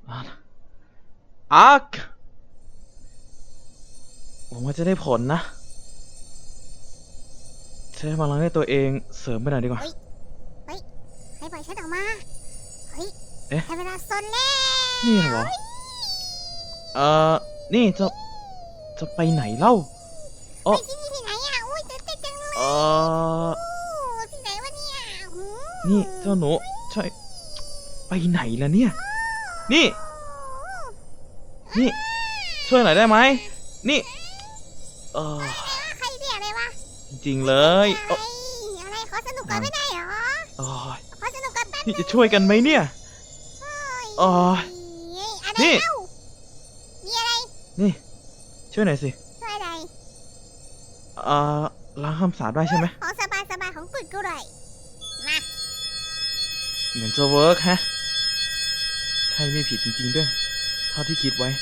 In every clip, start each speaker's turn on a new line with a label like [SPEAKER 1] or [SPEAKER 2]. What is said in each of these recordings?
[SPEAKER 1] อาร์คหวังว่าจะได้ผลนะใช้พลังให้ตัวเองเสริมไปหน่อยดีกว่า
[SPEAKER 2] เฮ้ยให้ปล่อยฉันออกมาเฮ้ย
[SPEAKER 1] เอ๊ะ
[SPEAKER 2] ให้เวลาซนแล้ว
[SPEAKER 1] นี่เหรอนี่จะไปไหนเล่า
[SPEAKER 2] ไปที่นี่ที่ไหนอ่ะอุ้ยตื่นเต้นจังเลยที่ไหนวะเนี่ย
[SPEAKER 1] นี่เจ้าหนูใช่ไปไหนล่ะเนี่ยนี่ช่วยหน่อยได้ไหมนี่
[SPEAKER 2] ใครเรียกอะไรวะ
[SPEAKER 1] จริงๆเลย
[SPEAKER 2] อะไรขอสนุกกันไม่ได้เหรอขอสนุกกันแป๊บ
[SPEAKER 1] นี่จะช่วยกันไหมเนี่ย
[SPEAKER 2] นี่มีอะไร
[SPEAKER 1] นี่ช่วยหน่อยสิ
[SPEAKER 2] ช่วยอะไร
[SPEAKER 1] ล้างคำสาปได้ใช่ไหม
[SPEAKER 2] ของสบายของฝึกกูเลยมา
[SPEAKER 1] เหมือนจะเวิร์กฮะใช่ไม่ผิดจริงๆด้วยเท่าที่คิดไว้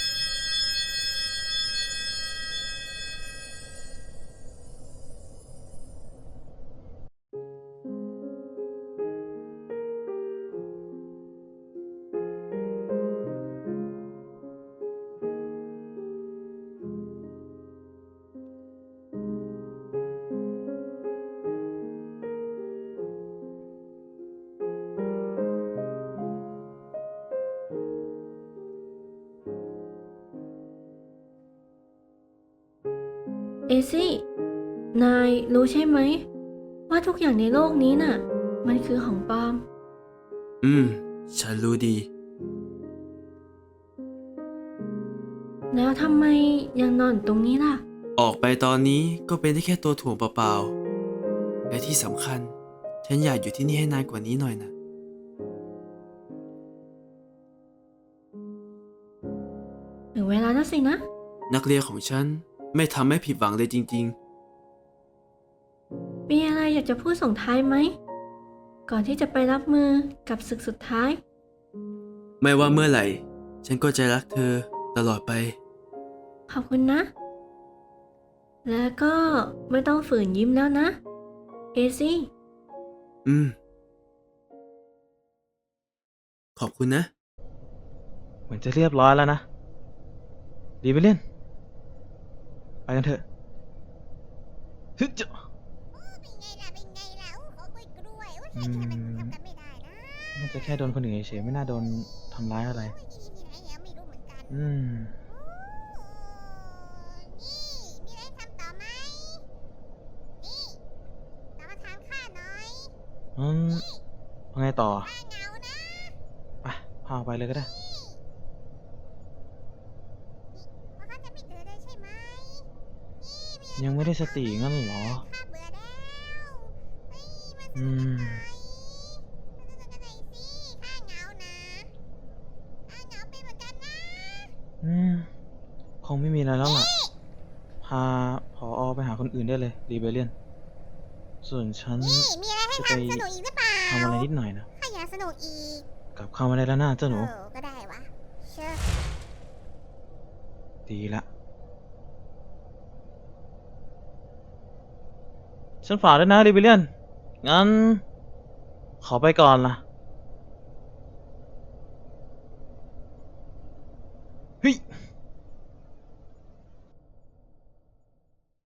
[SPEAKER 3] เอซี่ นายรู้ใช่ไหมว่าทุกอย่างในโลกนี้น่ะมันคือของปลอม
[SPEAKER 4] ฉันรู้ดี
[SPEAKER 3] แล้วทำไมยังนอนตรงนี้ล่ะ
[SPEAKER 4] ออกไปตอนนี้ก็เป็นได้แค่ตัวถ่วงเปล่าๆและที่สำคัญฉันอยากอยู่ที่นี่ให้นานกว่านี้หน่อยนะ
[SPEAKER 3] ถึงเวลาแล้วสินะ
[SPEAKER 4] นักเรียนของฉันไม่ทำให้ผิดหวังเลยจริง
[SPEAKER 3] มีอะไรอยากจะพูดส่งท้ายไหมก่อนที่จะไปรับมือกับศึกสุดท้าย
[SPEAKER 4] ไม่ว่าเมื่อไหร่ฉันก็จะรักเธอตลอดไป
[SPEAKER 3] ขอบคุณนะ แล้วก็ไม่ต้องฝืนยิ้มแล้วนะเอซี่
[SPEAKER 4] ขอบคุณนะ
[SPEAKER 1] เหมือนจะเรียบร้อยแล้วนะดีไปเล่นไปกันเถอะฮึจะ
[SPEAKER 2] เป็นไงล่ะขอกล้วยใครที่ทำกันไม่ได้นะ
[SPEAKER 1] น่าจะแค่โดนคนอื่นเฉยๆไม่น่าโดนทำร้ายอะไร
[SPEAKER 2] ที่ไหนไม่รู้เหมือนกัน
[SPEAKER 1] นี่
[SPEAKER 2] มีอะไรทำต่อไหมนี่ตามมาถามข้าหน่อย
[SPEAKER 1] ไงต่อ
[SPEAKER 2] ข้าเหงานะ
[SPEAKER 1] ไปพาไปเลยก็ได้
[SPEAKER 2] เพราะข้าจะไม่เจอเลยใช่ไหม
[SPEAKER 1] ยังไม่ได้สติงั้นเหรอ
[SPEAKER 2] ข้าเบื่อแล้วมาสนุกกันหน่อยสิข้าเหงานะข้าเหงาเป็นเหมือนกันนะ
[SPEAKER 1] คงไม่มีอะไรแล้วล่ะพาผอ.ไปหาคนอื่นได้เลยรีเบเลียนส่วนฉัน
[SPEAKER 2] มีอะไรให้ทำสนุกอีกหรือเปล่า
[SPEAKER 1] ทำอะไรนิดหน่อยนะ
[SPEAKER 2] ข้าอยากสนุกอีก
[SPEAKER 1] กลับเข้ามาได้แล้วนะเจ้าหนู
[SPEAKER 2] ก็ได้วะเชื่อ
[SPEAKER 1] ดีละฉันฝากด้วยนะรีเบเลียนงั้นขอไปก่อนล่ะ